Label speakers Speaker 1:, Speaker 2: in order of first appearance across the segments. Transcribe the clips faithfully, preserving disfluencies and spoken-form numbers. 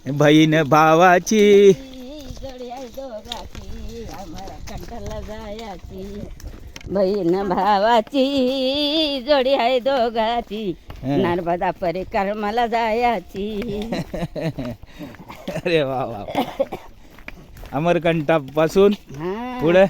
Speaker 1: बहीण भावाची
Speaker 2: जोडी आहे दोघाची आम्हाला कंटाळा जायाची बहीण भावाची जोडी आहे दोघाची नर्मदा परिक्रमाला जायाची.
Speaker 1: अरे वा वा अमरकंटापासून
Speaker 2: हा
Speaker 1: पुढे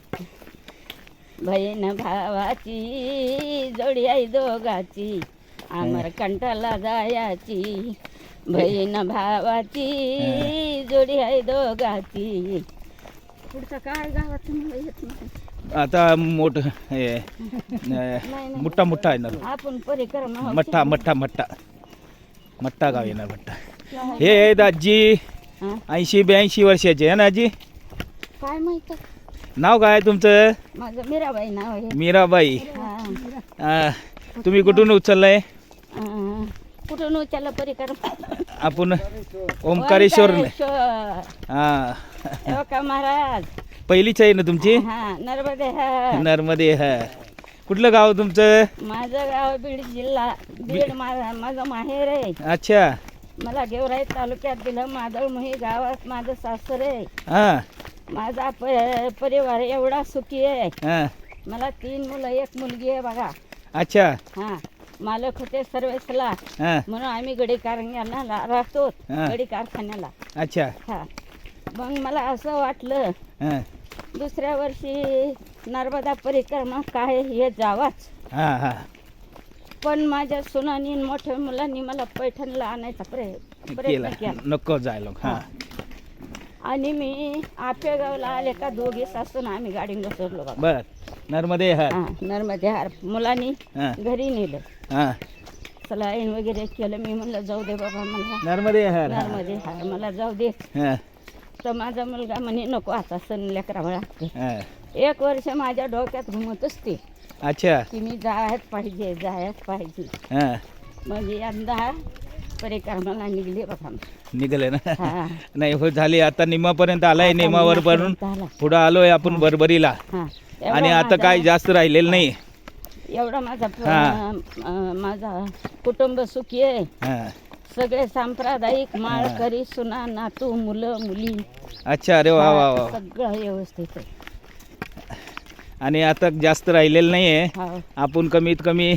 Speaker 2: बहीण भावाची जोडी आहे दोघाची अमरकंटाला जायाची बहीण भावाची जोडी आहे दोघाची. पुढचं काय गावात मला येत नाही.
Speaker 1: आता मोठ मोठा मोठा आहे ना
Speaker 2: आपण परिक्रमा
Speaker 1: मठ्ठा मठ्ठा मठ्ठा मठ्ठा गाव येणार मठ्ठा. हे आहेत आजी ऐंशी ब्याऐंशी वर्षाचे आहे ना आजी.
Speaker 2: काय माहित
Speaker 1: नाव काय आहे तुमचं?
Speaker 2: माझं मीराबाई नाव आहे.
Speaker 1: मीराबाई.
Speaker 2: हा.
Speaker 1: तुम्ही कुठून उचललंय?
Speaker 2: अं, कुठून उचललं परिक्रमा?
Speaker 1: आपण ओंकारेश्वर.
Speaker 2: ओंकारेश्वर.
Speaker 1: हा
Speaker 2: हो का महाराज.
Speaker 1: पहिलीच आहे ना तुमची?
Speaker 2: हा नर्मदे हा.
Speaker 1: नर्मदे हा. कुठलं गाव तुमचं?
Speaker 2: माझं गाव बीड जिल्हा बीड माझा माझं माहेर आहे.
Speaker 1: अच्छा.
Speaker 2: मला गेवराई तालुक्यात दिलं मादळमुही गावात माझं सासर आहे.
Speaker 1: हा
Speaker 2: माझा प- परिवार एवढा सुखी आहे.
Speaker 1: हा
Speaker 2: मला तीन मुलं एक मुलगी आहे बघा.
Speaker 1: अच्छा.
Speaker 2: हा मालक होते सर्वेसला
Speaker 1: हा
Speaker 2: म्हणून आम्ही गडी कारखान्याला राहतो.
Speaker 1: हा.
Speaker 2: गडी कारखान्याला.
Speaker 1: अच्छा.
Speaker 2: हा मग मला असं वाटलं
Speaker 1: हा
Speaker 2: दुसऱ्या वर्षी नर्मदा परिक्रमा काय हे जावाच.
Speaker 1: हा हा
Speaker 2: पण माझ्या सुनानी मोठ्या मुलांनी मला पैठणला आणायचा प्रयत्न प्रयत्न
Speaker 1: केलं
Speaker 2: केला.
Speaker 1: नको जायला. हा
Speaker 2: आणि मी आपेगावला आले का दोघे सासून आम्ही गाडी घसरलो बाबा.
Speaker 1: बर. नर्मदे हर.
Speaker 2: हा नर्मदे हार मुलांनी
Speaker 1: हा
Speaker 2: घरी नेलं.
Speaker 1: हा
Speaker 2: सलाईन वगैरे केलं. मी म्हणलं जाऊ दे बाबा मला
Speaker 1: नर्मदे हर. हा.
Speaker 2: नर्मदे हार मला जाऊ दे.
Speaker 1: हा
Speaker 2: तर माझा मुलगा म्हणे नको आता सण लेकरा बाळा.
Speaker 1: हा.
Speaker 2: एक वर्ष माझ्या डोक्यात घुमतच ते
Speaker 1: अच्छा.
Speaker 2: की मी जायच पाहिजे जायच पाहिजे.
Speaker 1: हा
Speaker 2: मग यंदा परिक्रमाला निघले बघा.
Speaker 1: निघाले ना.
Speaker 2: हा.
Speaker 1: नाही हो झाली आता निमापर्यंत आलाय.
Speaker 2: आता
Speaker 1: निमावर भरून
Speaker 2: निमापर्यंत आला.
Speaker 1: पुढं आलोय आपण बरबरीला.
Speaker 2: हा
Speaker 1: आणि
Speaker 2: एवढा
Speaker 1: आता
Speaker 2: माझा-
Speaker 1: काय जास्त राहिलेलं नाही.
Speaker 2: एवढा माझा प-
Speaker 1: हा.
Speaker 2: अं, माझा कुटुंब सुखी आहे.
Speaker 1: हा
Speaker 2: सगळे सांप्रदायिक माळकरी सुना नातू मुलं मुली.
Speaker 1: अच्छा. अरे वा वा वा.
Speaker 2: सगळं व्यवस्थित आहे.
Speaker 1: आणि आता जास्त राहिलेलं नाही आहे.
Speaker 2: हा.
Speaker 1: आपण कमीत कमी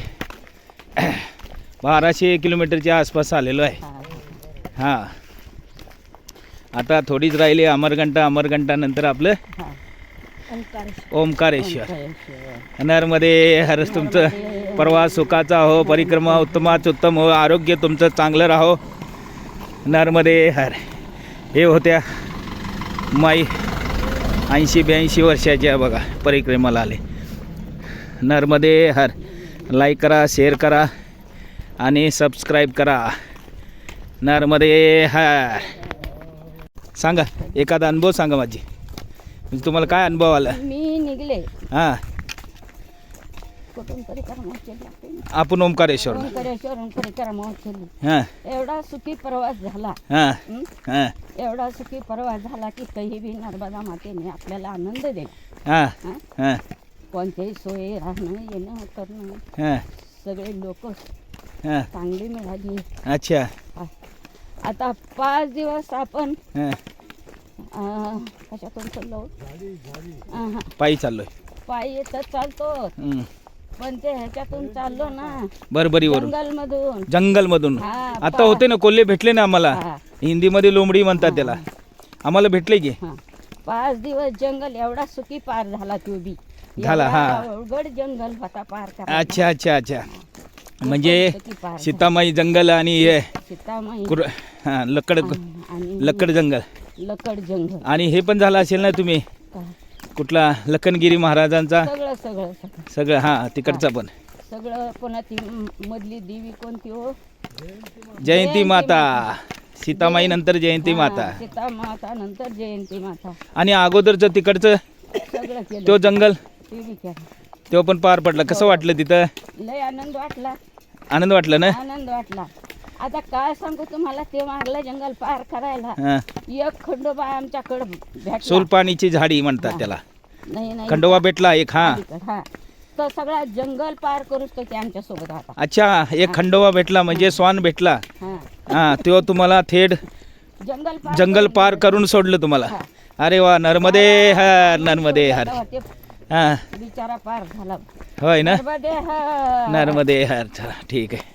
Speaker 1: बाराशे किलोमीटरच्या आसपास आलेलो आहे.
Speaker 2: हा.
Speaker 1: हां आता थोडीच राहिली अमरकंटा. अमरकंटा नंतर आपलं
Speaker 2: हा. ओंकारेश्वर.
Speaker 1: ओंकारेश्वर.
Speaker 2: ओंकारेश्वर.
Speaker 1: नर्मदे हर. तुमचं प्रवास सुखाचा हो. परिक्रमा उत्तमाच उत्तम हो. आरोग्य तुमचं चांगलं राहो. नर्मदे हर. हे होत्या माई ऐंशी ब्याऐंशी वर्षाच्या बघा परिक्रमाला आले. नर्मदे हर. लाईक करा शेअर करा आणि सबस्क्राईब करा. नर्मदे हर. सांगा एखादा अनुभव सांगा माझी. म्हणजे तुम्हाला काय अनुभव आला?
Speaker 2: मी निघले
Speaker 1: हां
Speaker 2: कुठून परिक्रमा केली.
Speaker 1: आपण ओंकारेश्वर.
Speaker 2: ओंकारेश्वर परिक्रमा केली.
Speaker 1: हां
Speaker 2: एवढा सुखी प्रवास झाला.
Speaker 1: हां
Speaker 2: हं?
Speaker 1: हां
Speaker 2: एवढा सुखी प्रवास झाला की काही बी नर्मदा मातेने आपल्याला आनंद दिला.
Speaker 1: हां
Speaker 2: हं?
Speaker 1: हां
Speaker 2: कोणत्याही सोयी राहणं येणं करणं
Speaker 1: हां
Speaker 2: सगळे लोक
Speaker 1: हां.
Speaker 2: चांगली मिळाली.
Speaker 1: अच्छा.
Speaker 2: आता पाच दिवस आपण
Speaker 1: हां
Speaker 2: अं, कशातून चाललो अहं,
Speaker 1: पायी चाललोय.
Speaker 2: पायी तर चालतो
Speaker 1: हं.
Speaker 2: पण ते ह्याच्यातून चाललो ना
Speaker 1: बरबरीवरून
Speaker 2: जंगल मधून.
Speaker 1: जंगलमधून.
Speaker 2: हा,
Speaker 1: आता
Speaker 2: पा-
Speaker 1: होते ना कोल्हे भेटले ना आम्हाला.
Speaker 2: हा,
Speaker 1: हिंदीमध्ये लोंबडी म्हणतात त्याला. आम्हाला भेटले की.
Speaker 2: हा. पाच दिवस जंगल एवढा सुखी पार झाला तो बी.
Speaker 1: झाला,
Speaker 2: एवढा
Speaker 1: हा.
Speaker 2: अवघड जंगल होता पार करायचा.
Speaker 1: अच्छा अच्छा अच्छा. म्हणजे
Speaker 2: सुखी पार झाला.
Speaker 1: सीतामाई जंगल आणि हे
Speaker 2: सीतामाई
Speaker 1: कुर हां लकड
Speaker 2: आणि
Speaker 1: लकड जंगल.
Speaker 2: लकड जंगल.
Speaker 1: आणि हे पण झालं असेल ना तुम्ही
Speaker 2: काय?
Speaker 1: कुठला लखनगिरी महाराजांचा
Speaker 2: सगळं सगळं सगळं
Speaker 1: सगळं. हां तिकडचा पण
Speaker 2: सगळं. पुन्हा ती म- मधली देवी कोणती हो?
Speaker 1: जयंती माता. सीतामाई नंतर जयंती
Speaker 2: हा,
Speaker 1: माता.
Speaker 2: सीता माता नंतर जयंती माता.
Speaker 1: आणि अगोदरचं तिकडचं
Speaker 2: सगळं केलं.
Speaker 1: तो जंगल
Speaker 2: ते बी केलं.
Speaker 1: तो पण पार पडला. कसं वाटलं तिथं?
Speaker 2: लय आनंद वाटला.
Speaker 1: आनंद वाटला ना?
Speaker 2: आनंद वाटला. आता काय सांगू तुम्हाला ते मागलं जंगल पार करायला
Speaker 1: हां
Speaker 2: एक खंडोबा आमच्याकडे भेटला.
Speaker 1: सोलपाणीची झाडी म्हणतात त्याला.
Speaker 2: नाही नाही
Speaker 1: खंडोबा भेटला एक. हां
Speaker 2: हा तो सगळा जंगल पार करूच तो ते आमच्या सोबत होता.
Speaker 1: अच्छा. एक खंडोबा भेटला म्हणजे स्वान भेटला.
Speaker 2: हा
Speaker 1: हां तो तुम्हाला थेट
Speaker 2: जंगल पार
Speaker 1: जंगल
Speaker 2: करून
Speaker 1: पार
Speaker 2: गेलं.
Speaker 1: करून सोडलं तुम्हाला.
Speaker 2: हा.
Speaker 1: अरे वा, नर्मदे हर नर्मदे हर.
Speaker 2: तेव्हा ते
Speaker 1: हां
Speaker 2: बिचारा पार झाला.
Speaker 1: होय ना.
Speaker 2: नर्मदे हर.
Speaker 1: नर्मदे हर. चला ठीक आहे.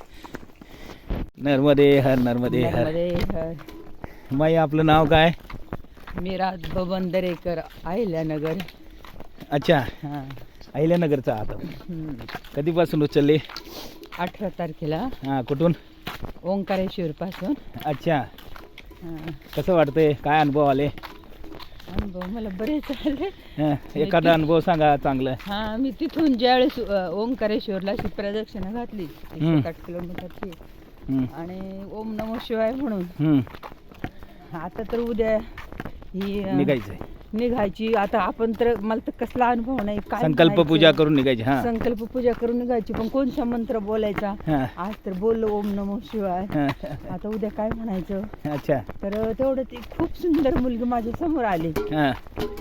Speaker 1: नर्मदे हर नर्मदे हर.
Speaker 2: नर्मदे हर.
Speaker 1: माई आपलं नाव काय?
Speaker 2: मीरा बबन दरेकर, अहिल्यानगर.
Speaker 1: अच्छा,
Speaker 2: हां.
Speaker 1: अहिल्यानगरचा आता
Speaker 2: हम्म.
Speaker 1: कधीपासून उचलले?
Speaker 2: अठरा तारखेला
Speaker 1: हां, कुठून?
Speaker 2: ओंकारेश्वर पासून.
Speaker 1: अच्छा,
Speaker 2: हां.
Speaker 1: कसं वाटतंय? काय अनुभव आले?
Speaker 2: अनुभव मला बरेच आले.
Speaker 1: हां, एखादा अनुभव सांगा चांगलं.
Speaker 2: हां, मी तिथून ज्यावेळेस अ, ओंकारेश्वरला अशी प्रदक्षिणा घातली
Speaker 1: हम्म.
Speaker 2: एकशे आठ किलोमीटरची
Speaker 1: हं,
Speaker 2: आणि ओम नमो शिवाय म्हणून
Speaker 1: हं,
Speaker 2: आता तर उद्या ही अ,
Speaker 1: निघायचंय.
Speaker 2: निघायची. आता आपण तर मला तर कसला अनुभव नाही काय
Speaker 1: संकल्प
Speaker 2: म्हणायचं.
Speaker 1: पूजा करून निघायची. हां
Speaker 2: संकल्प पूजा करून निघायची, पण कोणता मंत्र बोलायचा?
Speaker 1: हां
Speaker 2: आज तर बोललो ओम नमो शिवाय.
Speaker 1: हां.
Speaker 2: आता उद्या काय म्हणायचं?
Speaker 1: अच्छा.
Speaker 2: तर तेवढं ती खूप सुंदर मुलगी माझ्या समोर आली.
Speaker 1: हां.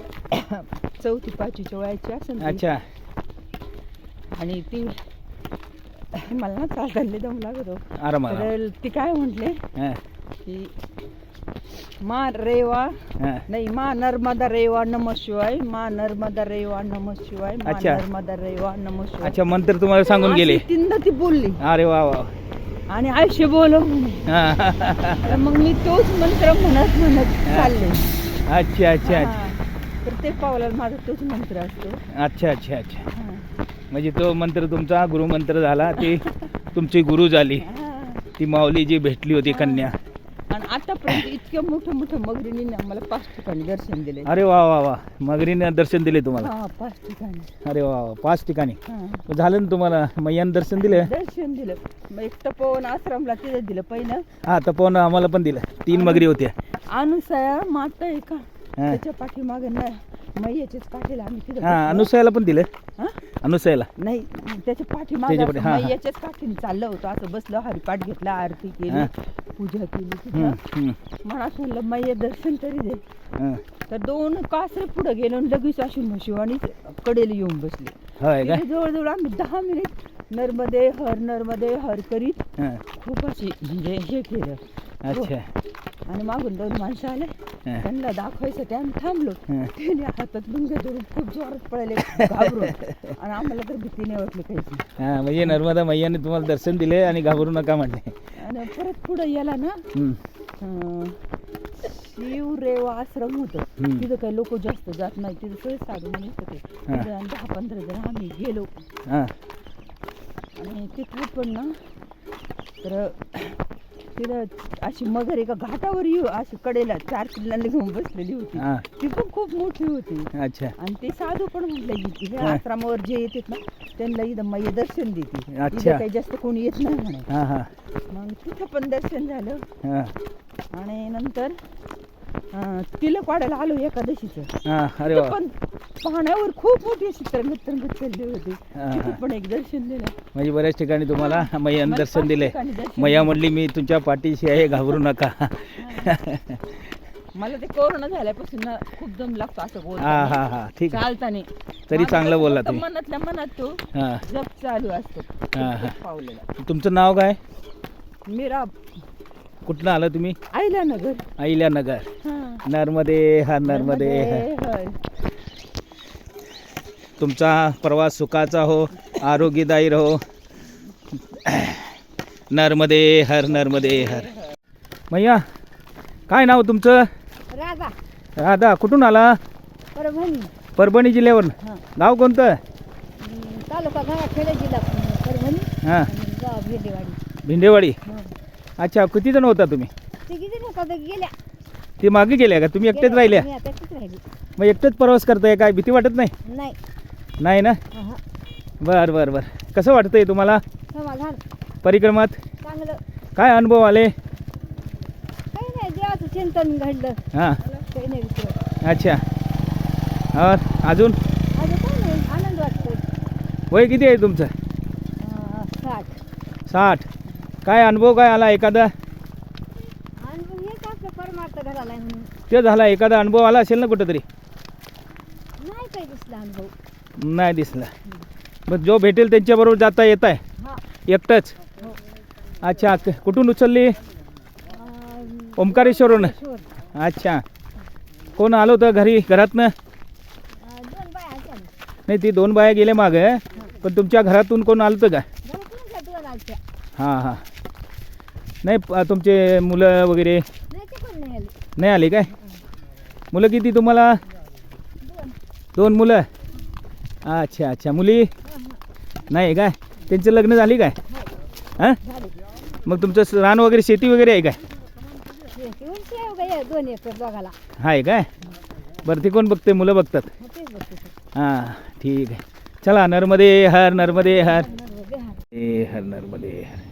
Speaker 2: चौथी पाचवीच्या वयाची असेल ती.
Speaker 1: अच्छा.
Speaker 2: आणि ती मला ना चालताना दम लागतो.
Speaker 1: आराम आराम.
Speaker 2: तर ती काय म्हटले
Speaker 1: हां
Speaker 2: की मा रेवा
Speaker 1: हां.
Speaker 2: नाही मा नर्मदा रेवा नमः शिवाय, मा नर्मदा रेवा नमः शिवाय, मा
Speaker 1: अच्छा.
Speaker 2: नर्मदा रेवा नमः शिवाय.
Speaker 1: अच्छा, मंत्र तुम्हाला सांगून गेले.
Speaker 2: अशी तीनदा ती बोलली
Speaker 1: अरे वा वा.
Speaker 2: आणि आयुष्य बोल म्हणे.
Speaker 1: हां.
Speaker 2: तर मग मी तोच मंत्र म्हणत म्हणत चालले.
Speaker 1: अच्छा अच्छा अच्छा
Speaker 2: हा. तर ते पावलाला माझा तोच मंत्र असतो.
Speaker 1: अच्छा अच्छा अच्छा.
Speaker 2: हा.
Speaker 1: म्हणजे तो मंत्र तुमचा गुरुमंत्र झाला. ती तुमची गुरु झाली.
Speaker 2: हा.
Speaker 1: ती माऊली जी भेटली होती कन्या.
Speaker 2: आणि आतापर्यंत इतक्या मोठं मोठं मगरीने आम्हाला पाच ठिकाणी दर्शन दिले.
Speaker 1: अरे वा वा वा. मगरीने दर्शन दिले तुम्हाला.
Speaker 2: हा, पाच ठिकाणी.
Speaker 1: अरे वा वा. पाच ठिकाणी
Speaker 2: हा.
Speaker 1: झालं ना तुम्हाला. मैयानं दर्शन दिलं.
Speaker 2: दर्शन दिलं. मग एक तपोवन आश्रमला तिथं दिलं पहिलं.
Speaker 1: हा, तपोवन आम्हाला पण दिलं. तीन मगरी होत्या.
Speaker 2: अनुसया माता आहे का
Speaker 1: हा.
Speaker 2: त्याच्या पाठीमागे ना मैयाच्याच काठीला आम्ही तिथं
Speaker 1: हा,
Speaker 2: बसलो.
Speaker 1: अनुसयाला पण दिलं.
Speaker 2: हा?
Speaker 1: अनुसयाला.
Speaker 2: नाही त्याच्या पाठीमागे
Speaker 1: त्याच्या पाठी- हा, हा.
Speaker 2: मैयाच्याच काठीने चाललं होतं. असं बसलो, हरिपाठ घेतला, आरती
Speaker 1: हा.
Speaker 2: केली, पूजा केली
Speaker 1: हम्म,
Speaker 2: तिथं.
Speaker 1: हम्म,
Speaker 2: मनात म्हणलं मैया दर्शन तरी दे.
Speaker 1: हं.
Speaker 2: तर दोन कासरे पुढे गेलो आणि लगेच अशी म्हशिवाणी कडेला येऊन बसली.
Speaker 1: होय का?
Speaker 2: तिथे जवळजवळ आम्ही दहा मिनिट नर्मदे हर नर्मदे हर करीत
Speaker 1: हं.
Speaker 2: खूप अशी म्हणजे हे केलं.
Speaker 1: अच्छा.
Speaker 2: आणि मागून दोन माणसं आले,
Speaker 1: हं.
Speaker 2: त्यांना दाखवायसाठी आम्ही थांबलो.
Speaker 1: हं.
Speaker 2: त्याने हातात मुंगे धरून खूप जोरात पळाले घाबरून. आणि आम्हाला तर भीती नाही वाटली काहीची.
Speaker 1: हा, म्हणजे नर्मदा मैयाने तुम्हाला दर्शन दिले आणि घाबरू नका म्हटले.
Speaker 2: आणि परत पुढे गेला ना
Speaker 1: हं.
Speaker 2: अं, शिवरेवा आश्रम होतं.
Speaker 1: हम्म.
Speaker 2: तिथं काही लोक जास्त जात नाही. तिथं सगळे साधू म्हणत होते.
Speaker 1: हा.
Speaker 2: तिथं आणि दहा पंधरा जण आम्ही गेलो.
Speaker 1: हां
Speaker 2: आणि तिथं पण ना तर तिथं अशी मगर एका घाटावर येऊ अशी कडेला चार पिल्लांना घेऊन बसलेली होती.
Speaker 1: हां.
Speaker 2: ती पण खूप मोठी होती.
Speaker 1: अच्छा.
Speaker 2: आणि ते साधू पण म्हटलं की हे
Speaker 1: हा.
Speaker 2: आश्रमावर जे येतात ना त्यांना इथं मैया दर्शन देते.
Speaker 1: अच्छा.
Speaker 2: इथं काही जास्त कोणी येत नाही म्हणे.
Speaker 1: हां हां
Speaker 2: मग तिथं पण दर्शन झालं.
Speaker 1: हां
Speaker 2: आणि नंतर अं, तिलक वाढायला आलो एकादशीचं.
Speaker 1: हां. अरे
Speaker 2: तिथं
Speaker 1: वा.
Speaker 2: पण पाण्यावर खूप मोठी अशी तरंगत तरंगत चालली होती.
Speaker 1: हा,
Speaker 2: तिथं
Speaker 1: हा.
Speaker 2: पण एक दर्शन दिलं.
Speaker 1: म्हणजे बऱ्याच ठिकाणी तुम्हाला मैयानं
Speaker 2: मला
Speaker 1: दर्शन
Speaker 2: पाच
Speaker 1: दिले.
Speaker 2: ठिकाणी दर्शन
Speaker 1: मैया
Speaker 2: दिलं.
Speaker 1: म्हणली मी तुमच्या पाठीशी आहे, घाबरू नका.
Speaker 2: मला ते कोरोना झाल्यापासून ना खूप दम लागतो असं
Speaker 1: हां
Speaker 2: बोलताना,
Speaker 1: हां हां. ठीक आहे.
Speaker 2: चालताना.
Speaker 1: तरी
Speaker 2: माझं
Speaker 1: चांगलं
Speaker 2: कसं
Speaker 1: बोलला
Speaker 2: फक्त
Speaker 1: तुम्ही.
Speaker 2: मनातल्या मनात तो
Speaker 1: हां.
Speaker 2: जप चालू असतो
Speaker 1: हा, हा.
Speaker 2: पावलेला.
Speaker 1: तुमचं नाव काय?
Speaker 2: मीरा
Speaker 1: कुठनं आलं तुम्ही?
Speaker 2: अहिल्यानगर.
Speaker 1: अहिल्यानगर.
Speaker 2: हां.
Speaker 1: नर्मदे हर नर्मदे हर.
Speaker 2: हर.
Speaker 1: तुमचा प्रवास सुखाचा हो, आरोग्यदायी रहो. नर्मदे हर नर्मदे हर. मैया काय नाव तुमचं?
Speaker 2: राधा
Speaker 1: राधा. कुठून आला?
Speaker 2: परभणी.
Speaker 1: परभणी जिल्ह्यावर.
Speaker 2: हां.
Speaker 1: गाव कोणतं?
Speaker 2: तालुका गंगाखेड जिल्हा परभणी.
Speaker 1: हां.
Speaker 2: आणि गाव भेंडेवाडी.
Speaker 1: भिंडेवाडी.
Speaker 2: हां.
Speaker 1: अच्छा, किती जण होता तुम्ही?
Speaker 2: ते किती नका गेल्या.
Speaker 1: ते मागे गेल्या का? तुम्ही एकटेच राहिल्या?
Speaker 2: मी आता एकटीच राहिली.
Speaker 1: मग एकटेच प्रवास करताय, काय भीती वाटत नाही?
Speaker 2: नाही.
Speaker 1: नाही ना.
Speaker 2: अहं.
Speaker 1: बरं बरं बरं. कसं वाटतंय तुम्हाला
Speaker 2: समाधान
Speaker 1: परिक्रमात?
Speaker 2: चांगलं.
Speaker 1: काय अनुभव आले?
Speaker 2: काही नाही, देवाचं चिंतन घडलं.
Speaker 1: हां.
Speaker 2: काही नाही विचारत.
Speaker 1: अच्छा. और अजून
Speaker 2: अजून काही नाही, आनंद वाटतो.
Speaker 1: वय किती आहे तुमचं?
Speaker 2: अं, साठ.
Speaker 1: साठ. काय अनुभव काय आला एखादा?
Speaker 2: आणि मग हेच आपलं परमार्थ घराला आहे म्हणून.
Speaker 1: ते झाला एखादा अनुभव आला असेल ना कुठंतरी?
Speaker 2: नाही काही दिसला अनुभव.
Speaker 1: नाही दिसला. मग जो भेटेल त्यांच्याबरोबर जाता येत आहे
Speaker 2: हा.
Speaker 1: एकटंच?
Speaker 2: हो.
Speaker 1: अच्छा. क- कुठून उचलली?
Speaker 2: अं,
Speaker 1: ओंकारेश्वरून अच्छा. कोण आलो होतं घरी घरातनं?
Speaker 3: दोन बाय आल्या ना.
Speaker 1: नाही ती दोन बाया गेल्या मागं, पण तुमच्या घरातून कोण आलं होतं का?
Speaker 3: घरातून का दोन आलत्या?
Speaker 1: हां हां. नाही प- तुमचे मुलं वगैरे
Speaker 3: नाही ते पण नाही आले.
Speaker 1: नाही आले काय? मुलं किती तुम्हाला?
Speaker 3: दोन.
Speaker 1: दोन मुलं. अच्छा अच्छा. मुली नाही काय? त्यांचं लग्न झाली काय? हां.
Speaker 3: झाले.
Speaker 1: मग तुमचं स- रान वगैरे शेती वगैरे आहे काय?
Speaker 3: ते उंची आहे बघा या दोन एकर दोघाला.
Speaker 1: आहे काय? बरं ते कोण बघते? मुलं बघतात.
Speaker 3: मग तेच बघते ते.
Speaker 1: हां ठीक आहे. चला नर्मदे हर नर्मदे हर
Speaker 3: नर्मदे हर.
Speaker 1: ए हर नर्मदे हर.